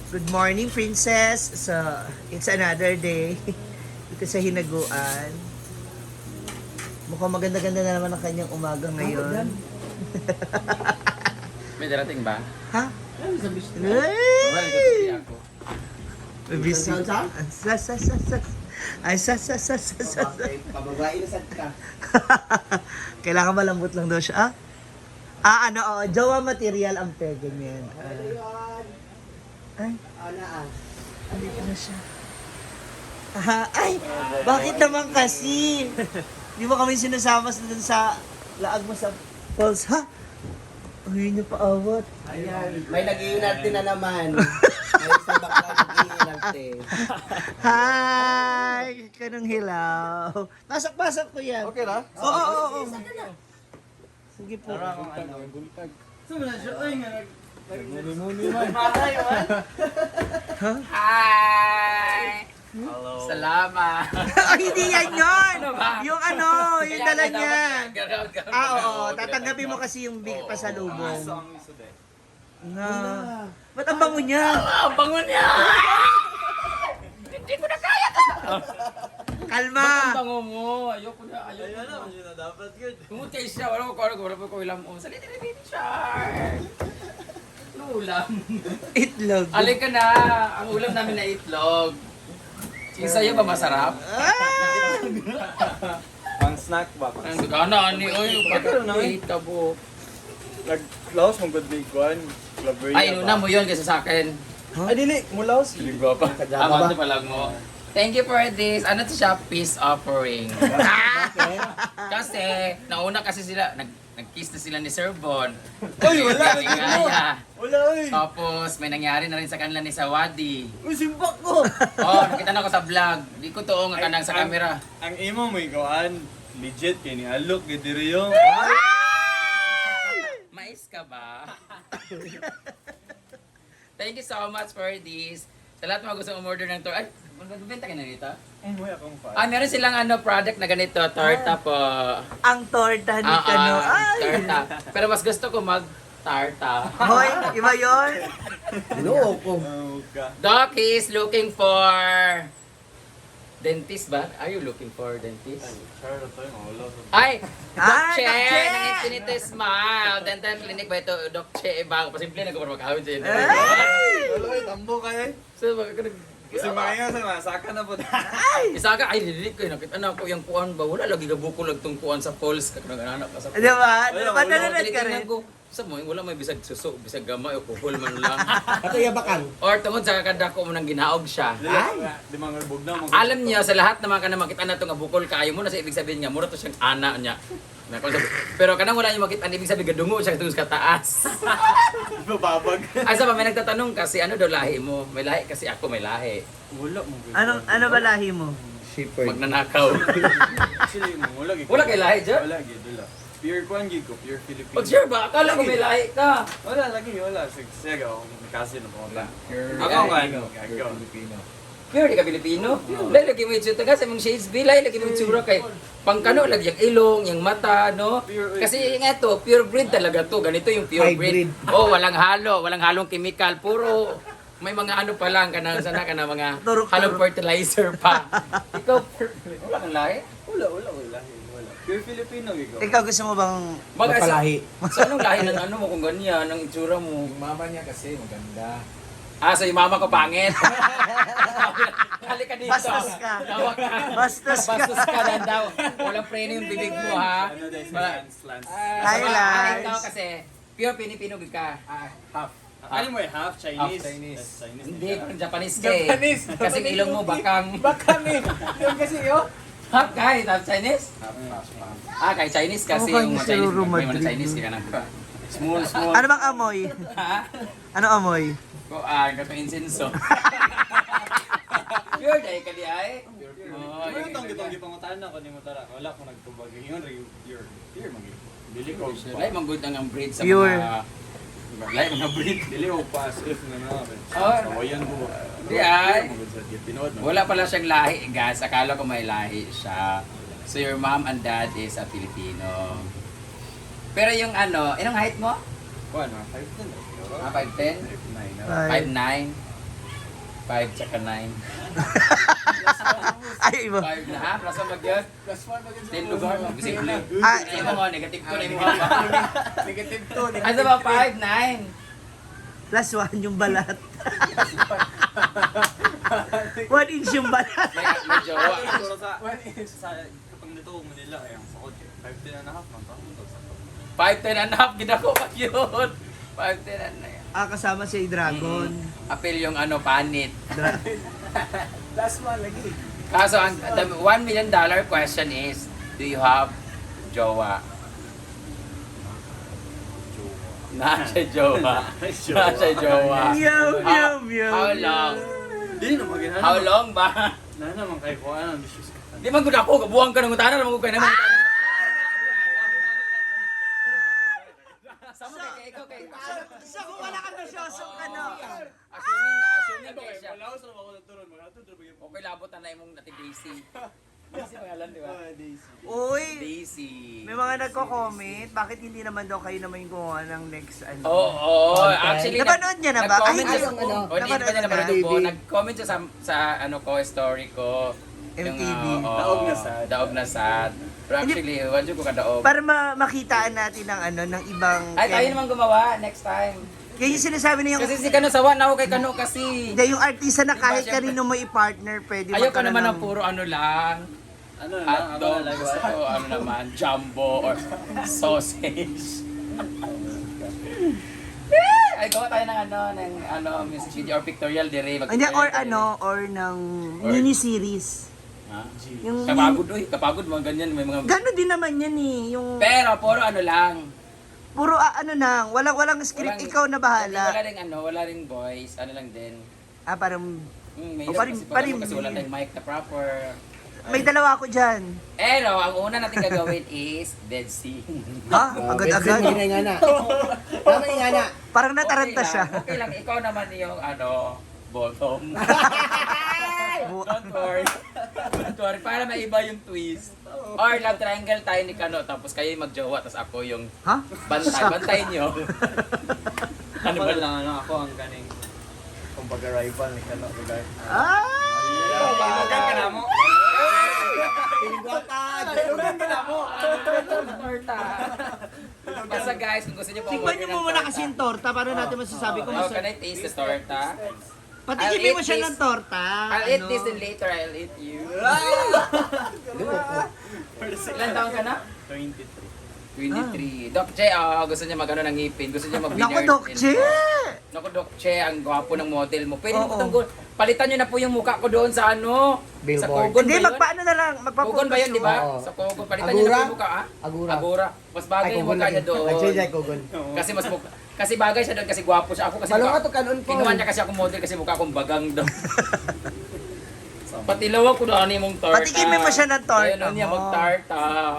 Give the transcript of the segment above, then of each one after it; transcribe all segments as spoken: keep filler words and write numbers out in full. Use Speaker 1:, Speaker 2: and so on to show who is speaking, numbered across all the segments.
Speaker 1: Good morning, princess. So, it's another day. Dito sa Hinaguan. Mukhang maganda-ganda na naman ang kanyang umaga ngayon.
Speaker 2: May darating ba?
Speaker 1: Ha?
Speaker 2: Wala,
Speaker 1: Ay!
Speaker 2: kasi ako.
Speaker 1: Busy. Sa, sa, sa, sa. Ay, sa, sa, sa, sa, sa.
Speaker 3: Pababae na sad ka.
Speaker 1: Kailangan malambot lang daw siya. Ah, ah ano, oh, jowa material ang peg, ganyan.
Speaker 3: Ano yun?
Speaker 1: Ay,
Speaker 3: Ano ah?
Speaker 1: andito na siya. Ah, ay, bakit naman kasi? Di mo kami sinasama sa dun sa laag mo sa falls, ha? Ay, napaawat.
Speaker 3: Ayan. May nag-iinarte na naman. May isang bakla nag-iinarte.
Speaker 1: Hi! Kanong hilaw. Pasok-pasok ko yan.
Speaker 2: Okay na?
Speaker 1: Oo, oo, oo. Sige po.
Speaker 2: Muni-muni man.
Speaker 1: Ha?
Speaker 2: Hi! Hello. Salamat.
Speaker 1: Ay, hindi yan yun!
Speaker 2: Ano ba?
Speaker 1: Yung ano, yung dala niya.
Speaker 2: Gano'n,
Speaker 1: Ah, oo. Tatanggapin mo kasi yung big pasalubong. Na. Ba't ang bango niya?
Speaker 2: Ah, bangon niya! Hindi ko na kaya to!
Speaker 1: Kalma!
Speaker 2: Ba't ang bango mo? Ayoko na, ayoko na. Ayun na, dapat good. Tumut kayo siya, wala ko kung wala ko ilam mo. Salita na baby shark! Ano ulam?
Speaker 1: Itlog.
Speaker 2: Alin ka na! Ang ulam namin na itlog. Yung sa'yo ba masarap?
Speaker 1: Ah!
Speaker 4: Pang snack ba? Pang
Speaker 2: Ang gana, ani, oy, pag-eat ka po.
Speaker 4: Nag-laos mong good big one. Claveria
Speaker 2: Ay, inuna mo yun kasi sa akin.
Speaker 4: Ay, dili. Mulaos.
Speaker 2: Ligo pa. Ako ito palag mo. Thank you for this. Ano to siya? Peace offering. Kasi, nauna kasi sila, nag nag-kiss na sila ni Sir Bon.
Speaker 4: Ay, wala.
Speaker 2: Kaya,
Speaker 4: Wala, ay.
Speaker 2: tapos, may nangyari na rin sa kanila ni Sawadi.
Speaker 4: Uy, simbak ko.
Speaker 2: Oh, nakita na ko sa vlog. Di ko to nga kanang sa
Speaker 4: Ang-
Speaker 2: camera.
Speaker 4: Ang imo mo ikawan, legit kay ni Alok, gitiri yung.
Speaker 2: Mais ka ba? Thank you so much for this. Sa lahat mga gusto umorder ng tour. Ay, magbenta ka na dito?
Speaker 4: Ang muy akong fa.
Speaker 2: Ah, meron silang ano product na ganito, torta po.
Speaker 1: Ang torta ni
Speaker 2: Ah,
Speaker 1: Kano.
Speaker 2: ah,
Speaker 1: Ay!
Speaker 2: torta. Pero mas gusto ko mag tarta.
Speaker 1: Hoy, iba yun?
Speaker 3: Loo ko.
Speaker 4: Oh, ka.
Speaker 2: Doc is looking for dentist ba? Are you looking for dentist?
Speaker 4: Charlotte tayo, mawala.
Speaker 2: Ay! Doc
Speaker 1: Ay,
Speaker 2: Che!
Speaker 1: Doc Che!
Speaker 2: Ng Infinity Smile! Dental Clinic ba ito? Doc Che ba? Pasimple na ko para makahawin siya.
Speaker 1: Ay!
Speaker 4: Wala, ay, tambo ka eh.
Speaker 2: So, baka ka nag...
Speaker 4: Kasi makaya sa masaka na po.
Speaker 2: Isa ka, ay, dididik ko. Nakita na ako yung kuwan ba? Wala, lagi ka buko lang itong kuwan sa falls. Kakanaganap ka sa
Speaker 1: Di ba?
Speaker 4: Wala,
Speaker 1: Ba't
Speaker 4: wala.
Speaker 1: nanonood ka rin?
Speaker 2: Tinitingnan ko, sa mo, wala may bisag suso, bisag gamay o kuhol man lang.
Speaker 3: Ato yabakan.
Speaker 2: Or tungod sa kadako mo nang ginaog siya.
Speaker 4: Ay! Di mga bug na. mga-
Speaker 2: Alam niyo sa lahat naman ka na makita na ito nga bukol kaayo mo na sa ibig sabihin nga mura to siyang ana niya. Na kung sabi- Pero kanang wala niyo makita, ang ibig sabihin gadungo siya tungod sa taas.
Speaker 4: Babag.
Speaker 2: Ay sa pa may nagtatanong kasi ano daw lahi mo? May lahi kasi ako may lahi.
Speaker 4: Wala mo.
Speaker 1: Anong, ano ba lahi mo?
Speaker 3: Shipper.
Speaker 2: Magnanakaw.
Speaker 4: Actually, mo, wala gid.
Speaker 2: Wala kay lahi dyan?
Speaker 4: Wala gid, wala. Pure kwan gid ko, pure Filipino.
Speaker 2: Pag sure ba? Akala ko may lahi ka.
Speaker 4: Wala lagi, wala. Sige, sige ako, kasi na po. Ako
Speaker 2: Ako
Speaker 4: nga, ano, ako.
Speaker 2: Pure di ka Pilipino? Lahi lagi mo itsura kasi mong shades B, lahi lagi mo itsura kay pangkano lagi yung ilong, yung mata, no?
Speaker 4: Pure-
Speaker 2: Kasi nga to, pure breed talaga to. Ganito yung pure breed.
Speaker 3: Hybrid.
Speaker 2: Oh, walang halo, walang halong chemical, puro may mga ano pa lang kana sana kana mga
Speaker 1: Turok-turok.
Speaker 2: halong fertilizer pa. Ikaw pur- wala kang lahi?
Speaker 4: Wala, wala, wala. Wala. Pure Filipino, ikaw.
Speaker 1: Ikaw gusto mo bang
Speaker 2: Baga sa,
Speaker 3: Magpalahi.
Speaker 2: sa anong lahi ng ano mo kung ganyan, ng itsura mo?
Speaker 5: Yung mama niya kasi maganda.
Speaker 2: Ah, so yung mama ko pangit. Halika dito.
Speaker 1: Bastos ka.
Speaker 2: Tawag ka.
Speaker 1: Bastos ka.
Speaker 2: Bastos ka na daw. Walang preno yung bibig mo, ha?
Speaker 4: Ano dahil si
Speaker 2: Wala.
Speaker 4: Lance, Lance.
Speaker 1: Hi,
Speaker 2: Diba?
Speaker 1: Lance.
Speaker 2: Ah, ikaw kasi, pure Pilipino ka.
Speaker 5: Ah, half.
Speaker 4: Ano mo eh, half Chinese?
Speaker 5: Half Chinese.
Speaker 4: Yes, Chinese.
Speaker 2: Hindi, parang Japanese ka eh.
Speaker 5: Japanese.
Speaker 2: Kasi ilong mo bakang.
Speaker 5: Baka ni. Yung kasi yun.
Speaker 2: Half guy, half Chinese?
Speaker 5: Half, half, half.
Speaker 2: Ah, kay Chinese kasi
Speaker 1: Mukhang
Speaker 2: yung mga
Speaker 1: si
Speaker 2: Chinese.
Speaker 1: Ruru
Speaker 2: May mga
Speaker 1: Madrid.
Speaker 2: Chinese ka na.
Speaker 4: Small, small.
Speaker 1: Ano bang amoy?
Speaker 2: Ha?
Speaker 1: Ano amoy?
Speaker 2: Ko, ah, gato insenso. Pure day ka di ay? Oh,
Speaker 4: Ano
Speaker 2: yung-
Speaker 4: itong gitong gipangutan na ko ni Mutara? Wala ko nagtubag. Yun, pure. Pure, magi. Dili ko.
Speaker 2: Lahi mang good ang breed sa
Speaker 1: Pure.
Speaker 2: mga... Lahi mga breed.
Speaker 4: Dili ko pass if na na.
Speaker 2: Oh.
Speaker 4: Sawayan ko.
Speaker 2: Di ay.
Speaker 4: Tinood na.
Speaker 2: Wala pala siyang lahi, guys. Akala ko may lahi siya. So your mom and dad is a Filipino. Pero yung ano, anong height mo?
Speaker 4: Kuan, mga five ten.
Speaker 2: Ah, five ten?
Speaker 4: five nine.
Speaker 1: Five.
Speaker 2: five nine? Five tsaka nine.
Speaker 1: Ay, iba.
Speaker 2: Five na ha? Plus one mag-yun?
Speaker 5: Plus one ba yun?
Speaker 2: Ten lugar. Simple.
Speaker 1: Ah,
Speaker 2: Ay, mo nga, negative two na yung mga ba?
Speaker 5: Negative two.
Speaker 2: Ano ba? Five, nine.
Speaker 1: Plus one yung balat. One inch yung balat.
Speaker 2: May, may jowa.
Speaker 4: Siguro sa,
Speaker 5: One is.
Speaker 4: sa, kapag nito mo nila, ay ang sakot, five ten and a half, ang tawag ito, sakot.
Speaker 2: Five, ten and a half. Ginako pa yun. Five, ten and a half.
Speaker 1: Ah, kasama si Dragon.
Speaker 2: Apel yung ano, panit.
Speaker 1: Dra-
Speaker 5: Plus one lagi.
Speaker 2: Kaso, ang the one million dollar question is, do you have jowa? Nasa jowa. Nasa jowa.
Speaker 1: Meow, meow,
Speaker 2: How,
Speaker 1: meow.
Speaker 2: how long?
Speaker 4: Di na magina.
Speaker 2: How long ba?
Speaker 4: Na naman kay ko, ano, bisyo ka.
Speaker 2: Di man gud ako, kabuang ka ng utana, naman ko kayo naman. Sama kay ikaw kay.
Speaker 1: So, kung wala ka masyosok, ano?
Speaker 2: Assuming, assuming kay siya.
Speaker 4: Wala ko sa mga turon, mga turon, mga
Speaker 2: Okay, labot na na imong natin Daisy. Daisy pangalan, di ba?
Speaker 1: Uy,
Speaker 2: Daisy.
Speaker 1: may mga nagko-comment, bakit hindi naman daw kayo naman yung gumawa ng next, ano?
Speaker 2: Oo, oh, actually.
Speaker 1: Napanood niya na ba?
Speaker 2: Nag-comment
Speaker 1: Ay,
Speaker 2: siya.
Speaker 3: yung ano,
Speaker 2: Oh, hindi pa niya napanood
Speaker 1: napanood
Speaker 2: po.
Speaker 3: na.
Speaker 2: Nag-comment siya sa, sa ano ko, story ko.
Speaker 1: M T V.
Speaker 2: Yung, ah,
Speaker 4: Daog
Speaker 2: oo,
Speaker 4: na sad.
Speaker 2: Daog na sad. Pero actually, wadyo ko ka-daog.
Speaker 1: Para ma- makitaan natin ng ano, ng ibang...
Speaker 2: Ay, tayo naman gumawa next time.
Speaker 1: Kaya yung sinasabi na yung...
Speaker 2: Kasi si Kano sawa na ako kay Kano kasi.
Speaker 1: Hindi, yung artista na kahit
Speaker 2: Diba, syempre-
Speaker 1: kanino mo i-partner, pwede
Speaker 2: Ayaw ka
Speaker 1: magkaroon
Speaker 2: naman ng
Speaker 1: ng-
Speaker 2: puro ano lang.
Speaker 4: Ano na,
Speaker 2: Hotdog.
Speaker 4: abala,
Speaker 2: Gusto ko ano naman, jumbo or sausage. Ay, gawa tayo ng ano, ng ano, music video or pictorial dire.
Speaker 1: Hindi, or ano, or ng
Speaker 2: Or-
Speaker 1: mini-series.
Speaker 2: Ha?
Speaker 1: Yung
Speaker 2: Kapagod, uy. Kapagod mga ganyan. May mga...
Speaker 1: Gano'n din naman yan eh. Yung
Speaker 2: Pero, puro ano lang.
Speaker 1: puro ah, ano nang, walang walang script,
Speaker 2: Walang-
Speaker 1: ikaw na
Speaker 2: Wala
Speaker 1: bahala.
Speaker 2: ring ano, wala ring voice. Ano lang din.
Speaker 1: Ah, parang
Speaker 2: Mm, may
Speaker 1: O,
Speaker 2: hirap
Speaker 1: parin-
Speaker 2: kasi pag
Speaker 1: parin-
Speaker 2: ano, kasi wala tayong mic na proper.
Speaker 1: may dalawa ako dyan.
Speaker 2: Pero, ang una natin gagawin is Dead Sea.
Speaker 1: Ha?
Speaker 3: Oh,
Speaker 1: Agad-agad.
Speaker 3: Benson, hindi na nga na. Tama yung nga na.
Speaker 1: Parang nataranta
Speaker 2: Okay
Speaker 1: siya.
Speaker 2: lang, okay lang. Ikaw naman yung ano, bottom. Don't worry. Don't worry. Para maiba yung twist. Or love triangle tayo ni Kano, tapos kayo yung magjowa, tapos ako yung
Speaker 1: Ha?
Speaker 2: bantay. Bantay nyo.
Speaker 4: Ano ba lang, ano, ako ang kaning, kumbaga rival ni Kano, lugar.
Speaker 1: Ay!
Speaker 4: Lugar ka na mo.
Speaker 5: Lugan ka na mo.
Speaker 2: Torta. Basta guys, kung gusto nyo po
Speaker 1: Tikman niyo mo muna kasi yung torta para natin masasabi kung
Speaker 2: Oh, can
Speaker 1: masarap.
Speaker 2: I taste the torta?
Speaker 1: Patikimin mo
Speaker 2: I'll
Speaker 1: siya
Speaker 2: eat
Speaker 1: ng
Speaker 2: this.
Speaker 1: torta.
Speaker 2: I'll eat
Speaker 1: ano.
Speaker 2: this and later I'll eat you. Ilan taon ka na?
Speaker 4: twenty-three.
Speaker 2: twenty-three. Doc Che, ah, gusto niya mag-ano ng ngipin. Gusto niya mag-winner.
Speaker 1: Naku, Doc Che!
Speaker 2: Naku, Doc Che, ang gwapo ng model mo. Pwede mo
Speaker 1: Oo.
Speaker 2: itong gu- palitan niyo na po yung mukha ko doon sa ano? Sa
Speaker 3: Billboard.
Speaker 2: Kogon
Speaker 1: Hindi,
Speaker 2: ba yun?
Speaker 1: magpaano na lang. Magpa-focus
Speaker 2: Kogon ba yun, di ba?
Speaker 3: Oo.
Speaker 2: Sa Kogon. Palitan niyo na po
Speaker 3: Agura?
Speaker 2: yung mukha, ah?
Speaker 3: Agura.
Speaker 2: Agura. Mas bagay yung mukha niya doon.
Speaker 3: Nag-change kugon.
Speaker 2: Kasi mas mukha. Kasi bagay siya doon kasi gwapo siya. Ako kasi
Speaker 3: Palong
Speaker 2: mukha-
Speaker 3: ato kanon po.
Speaker 2: Kinuha niya kasi ako model kasi mukha akong bagang doon. Patilaw ako na ano mong torta.
Speaker 1: Patikimin mo siya ng torta
Speaker 2: Ayun, ano niya,
Speaker 1: mo.
Speaker 2: mag-tarta.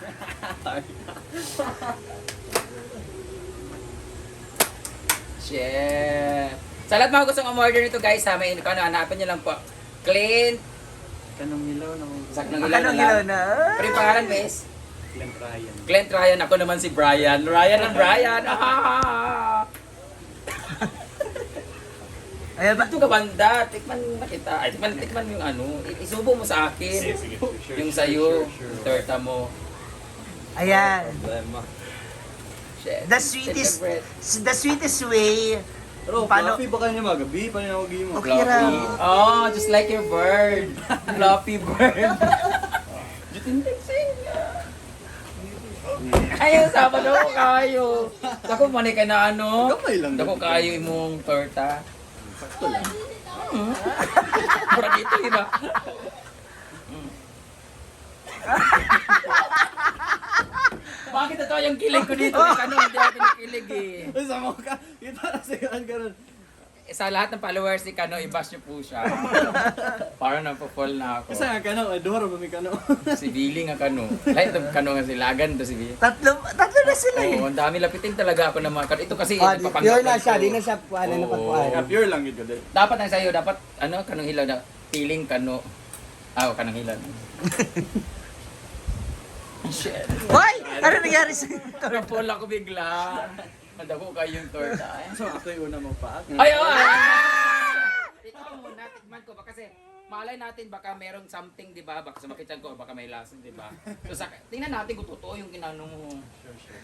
Speaker 2: Shit. Sa lahat mga gustong umorder nito guys, ha, may ano, hanapin niyo lang po. Clint.
Speaker 4: Kanong hilaw na mong
Speaker 2: Sak ng ilaw
Speaker 1: Anong
Speaker 2: na
Speaker 1: ilaw
Speaker 2: lang.
Speaker 1: na?
Speaker 2: Pero yung pangalan, miss?
Speaker 4: Glenn Ryan.
Speaker 2: Clint Ryan. Ako naman si Brian. Ryan and Brian. Ah!
Speaker 1: Ayan ba?
Speaker 2: Ito ka banda. Tikman na kita. Ay, tikman, tikman mo yung ano. I- Isubo mo sa akin.
Speaker 4: sige. Sure,
Speaker 2: Yung
Speaker 4: sure,
Speaker 2: sa'yo.
Speaker 4: sure, sure.
Speaker 2: Torta mo.
Speaker 1: Ayan.
Speaker 4: Problema.
Speaker 2: Shit.
Speaker 1: The sweetest,
Speaker 2: Celebrate.
Speaker 1: the sweetest way.
Speaker 4: Pero,
Speaker 1: Paano-
Speaker 4: fluffy ba kayo niya magabi? Paano niya magiging mo?
Speaker 1: Okay ra.
Speaker 2: Fluffy. Oh, just like your bird. Fluffy bird. Jutin-tixing. Ayaw, Sabado ko kayo. Dako manay ka na ano.
Speaker 4: Gamay lang.
Speaker 2: Dako kayo imong torta.
Speaker 4: Sakto lang.
Speaker 2: Hmm. Mura dito, iba. Bakit ito yung kilig ko dito? Ano, hindi ako kinikilig eh.
Speaker 4: Ay, sama ka. Kita na sigaran ka ron.
Speaker 2: Eh, Sa lahat ng followers ni Kano, i-bash niyo po siya. Parang napo-fall na ako.
Speaker 4: Isa nga Kano, adoro ba may Kano?
Speaker 2: Si Billy nga Kano. Lahat ng Kano nga silagan to si Billy.
Speaker 1: Tatlo, tatlo na sila eh.
Speaker 2: Oo, ang dami lapitin talaga ako ng mga Kano. Ito kasi
Speaker 3: Ah, di-
Speaker 2: napapanggap
Speaker 3: pure na
Speaker 2: ko.
Speaker 3: siya, di na siya puan,
Speaker 2: Oo.
Speaker 3: na pagpuan.
Speaker 4: Ah, pure lang yun ko dahil.
Speaker 2: Dapat ang sa'yo, dapat ano, Kanong Hilaw na feeling Kano. Ah, oh, Kanong Hilaw. Shit.
Speaker 1: Hoy! Ano nangyari sa
Speaker 2: Napol ako bigla. Madako kayong torta.
Speaker 4: So, ako yung una magpaat.
Speaker 2: Ay, oh! Ikaw muna, tikman malay natin baka merong something, di ba? Baka sumakitan ko, or baka may lasing, di ba? So, sa, tingnan natin kung totoo yung ginano mo.
Speaker 4: Sure, sure.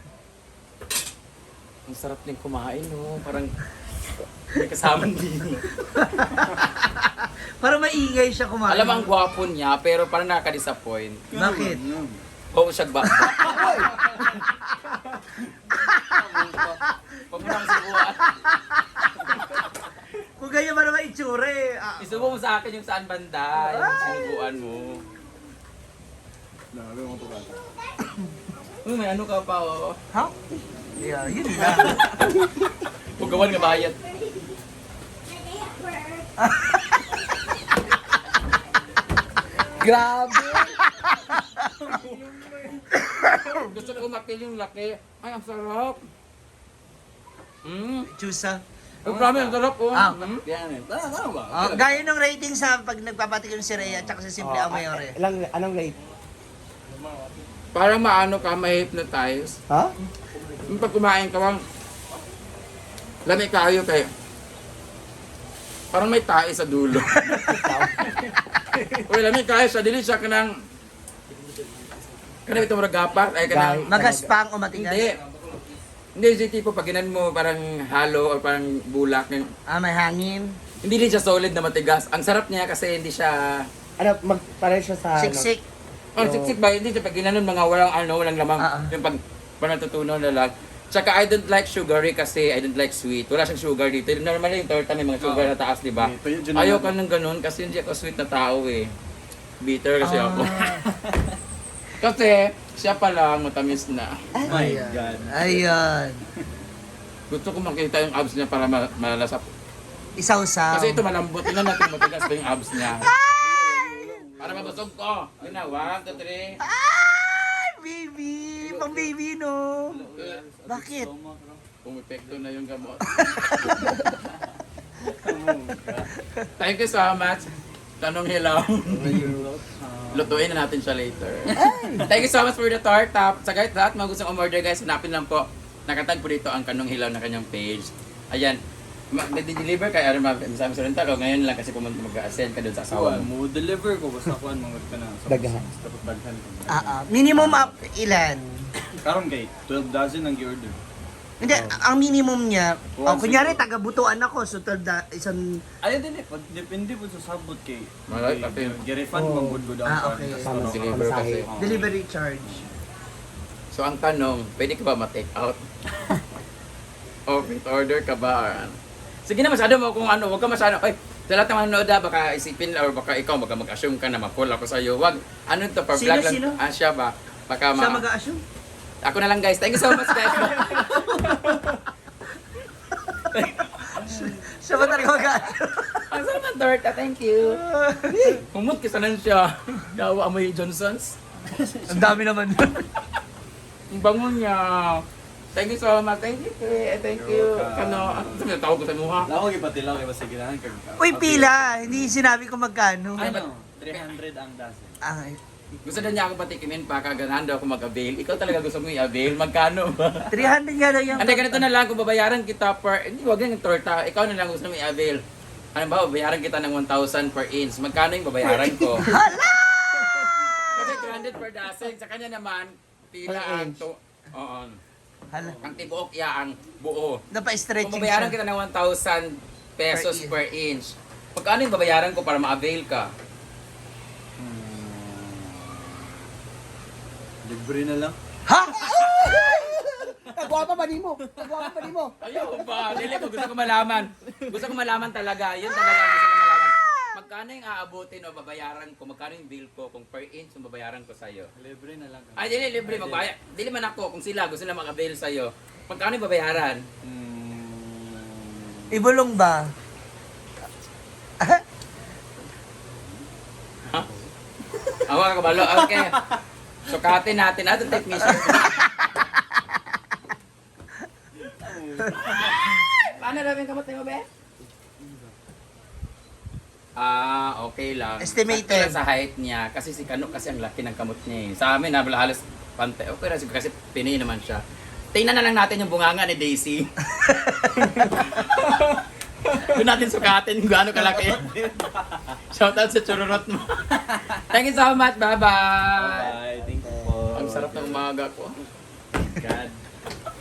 Speaker 2: Ang sarap din kumain, no? Parang may kasamang din.
Speaker 1: Para maingay siya kumain.
Speaker 2: Alam mo, ang gwapo niya, pero parang nakaka-disappoint.
Speaker 1: Bakit?
Speaker 2: Oo, siya ba? Huwag mo nang subuan.
Speaker 1: Kung ganyan ba naman itsura eh. Ah,
Speaker 2: Isubo mo sa akin yung saan banda, yung sinubuan mo.
Speaker 5: Grabe mo ito ka.
Speaker 2: Uy, may ano ka pa, oh.
Speaker 1: ha? Yeah, yun na.
Speaker 2: Pugawan nga bayad.
Speaker 1: Grabe.
Speaker 2: Gusto ko makil yung laki. Ay, ang sarap. Mm.
Speaker 1: Chusa.
Speaker 2: Oh, promise, ang sarap, oh.
Speaker 1: Ah,
Speaker 2: Mm.
Speaker 5: Yan eh. Tama, tama ba?
Speaker 1: Oh, gaya ng rating sa pag nagpapatikim si Rhea at saka sa Simple
Speaker 3: Oh,
Speaker 1: Amayore.
Speaker 3: Ilang, anong rate?
Speaker 2: Parang maano ka, ma-hypnotize.
Speaker 3: Ha?
Speaker 2: Yung pag kumain ka, bang lamig kayo kay parang may tae sa dulo. Uy, lamig kayo sa dili siya kanang kanang itong ragapat ay kanang
Speaker 1: Magaspang o matigas?
Speaker 2: hindi. Hindi si tipo pag ginan mo parang halo or parang bulak ng
Speaker 1: Ah, may hangin.
Speaker 2: hindi din siya solid na matigas. Ang sarap niya kasi hindi siya
Speaker 3: Ano, mag, para siya sa, ano,
Speaker 1: Siksik.
Speaker 2: ang siksik ba hindi siya pag ginanon mga walang ano walang lamang
Speaker 1: Ah, ah.
Speaker 2: yung pag parang natutunaw na lang. Tsaka I don't like sugary kasi I don't like sweet. Wala siyang sugar dito. Normally yung torta may mga sugar na taas, di ba?
Speaker 5: Tuyo dyan na
Speaker 2: Ayaw
Speaker 5: lang.
Speaker 2: ka ng ganun kasi hindi ako sweet na tao eh. Bitter kasi ako. Kasi siya pala matamis na.
Speaker 5: My God.
Speaker 1: Ayun.
Speaker 2: Gusto ko makita yung abs niya para ma- malasap.
Speaker 1: Isaw-saw.
Speaker 2: Kasi ito malambot. Tingnan natin matigas pa yung abs niya. Para mabusog ko. Yun na, one, two, three.
Speaker 1: Ay, baby! Pang baby, no? Bakit?
Speaker 2: Pumipekto na yung gamot. Thank you so much. Tanong hilaw. Lutuin na natin siya later. Thank you so much for the torta. Sa guys, lahat mga gustong umorder guys, hanapin lang po. Nakatag po dito ang Kanong Hilaw na kanyang page. Ayan. Nag-deliver kay Arma sa Sorrento ko ngayon lang kasi pumunta mag-ascend ka doon sa asawa
Speaker 5: Kuan
Speaker 2: mo.
Speaker 5: mo deliver ko basta kuan mangod ka na. sa-
Speaker 3: Daghan.
Speaker 5: Tapos daghan.
Speaker 1: Ah, ah. Minimum up ilan?
Speaker 5: Karon kay twelve dozen ang gi-order.
Speaker 1: Hindi, ang minimum niya,
Speaker 5: Oh,
Speaker 1: oh, kunyari, taga-butuan ako, so tal da, isang,
Speaker 5: Ayun din eh, pag- depende po sa sabot kay.
Speaker 2: Malay, pati.
Speaker 5: Gi-refund
Speaker 3: Oh.
Speaker 5: mangod ko daw.
Speaker 1: Ah, okay.
Speaker 3: Tama,
Speaker 2: Deliver kasi.
Speaker 3: pamasahe.
Speaker 1: delivery charge.
Speaker 2: So ang tanong, pwede ka ba ma-take out? O fit order ka ba? Or ano? Sige na, masyado mo kung ano, huwag ka masyado, ay, sa lahat ng manonood ah, baka isipin or baka ikaw, baka mag-assume ka na ma-pull ako sa'yo. Wag, ano to, per
Speaker 1: Sino,
Speaker 2: vlog lang.
Speaker 1: sino?
Speaker 2: Ah, siya ba? Baka
Speaker 1: Siya
Speaker 2: ma...
Speaker 1: mag-a-assume?
Speaker 2: Ako na lang guys. Thank you so much guys.
Speaker 1: Siya ba talaga mag-a-assume?
Speaker 2: Ang sarap ng torta, thank you. Humot kisanan siya. Gawa mo yung Johnson's.
Speaker 1: Ang dami naman.
Speaker 2: Ang bango niya. Thank you so much. Thank you. eh, Thank you. Kano, ano sabi tawag ko sa mukha?
Speaker 5: Lako gipatilaw kay basta ginahan kag.
Speaker 1: Uy, pila! Hindi sinabi ko magkano.
Speaker 5: Ano? three hundred ang dozen.
Speaker 1: Ay,
Speaker 2: Gusto na niya ako patikimin pa kaganahan daw ako mag-avail. Ikaw talaga gusto mo i-avail. Magkano ba?
Speaker 1: three hundred nga lang yung...
Speaker 2: Hindi, ganito na lang. Kung babayaran kita per... Hindi, wag lang yung torta. Ikaw na lang gusto mo i-avail. Ano ba, babayaran kita ng one thousand per inch. Magkano yung babayaran ko?
Speaker 1: Hala!
Speaker 2: Kasi three hundred per dozen. Sa kanya naman, pila
Speaker 3: Per
Speaker 2: ang
Speaker 3: inch.
Speaker 2: to... Oo.
Speaker 1: Hala.
Speaker 2: Ang tibuok iya ang buo. Kung
Speaker 1: Napa-stretching
Speaker 2: babayaran
Speaker 1: siya.
Speaker 2: kita ng one thousand pesos
Speaker 1: Per
Speaker 2: per, inch, magkano yung babayaran ko para ma-avail ka?
Speaker 5: Libre na lang.
Speaker 1: Ha?
Speaker 3: Nagwapa pa di mo! Nagwapa pa di mo!
Speaker 2: Ayaw ba? Dili ko, gusto ko malaman. Gusto ko malaman talaga. Yun talaga ang gusto ko malaman. Magkano yung aabutin o babayaran ko? Magkano yung bill ko kung per inch yung babayaran ko sa'yo?
Speaker 5: Libre na lang.
Speaker 2: Ay, dili, libre. Magbayad. Dili man ako kung sila gusto nila mag-avail sa'yo. Magkano yung babayaran?
Speaker 5: Hmm.
Speaker 1: Ibulong ba?
Speaker 2: Awa ka kabalo. Okay. Sukatin natin. Ato technician. Paano namin kamot mo, be? Ah, okay lang.
Speaker 1: Estimated.
Speaker 2: Sakto lang sa height niya. Kasi si Kano kasi ang laki ng kamot niya eh. Sa amin, nabla halos pante. Okay lang kasi Pinay naman siya. Tingnan na lang natin yung bunganga ni Daisy. Doon natin sukatin kung gaano kalaki. Shoutout sa chururot mo. Thank you so much. Bye-bye.
Speaker 5: Bye. Thank you po.
Speaker 2: Ang sarap ng umaga ko.
Speaker 5: God.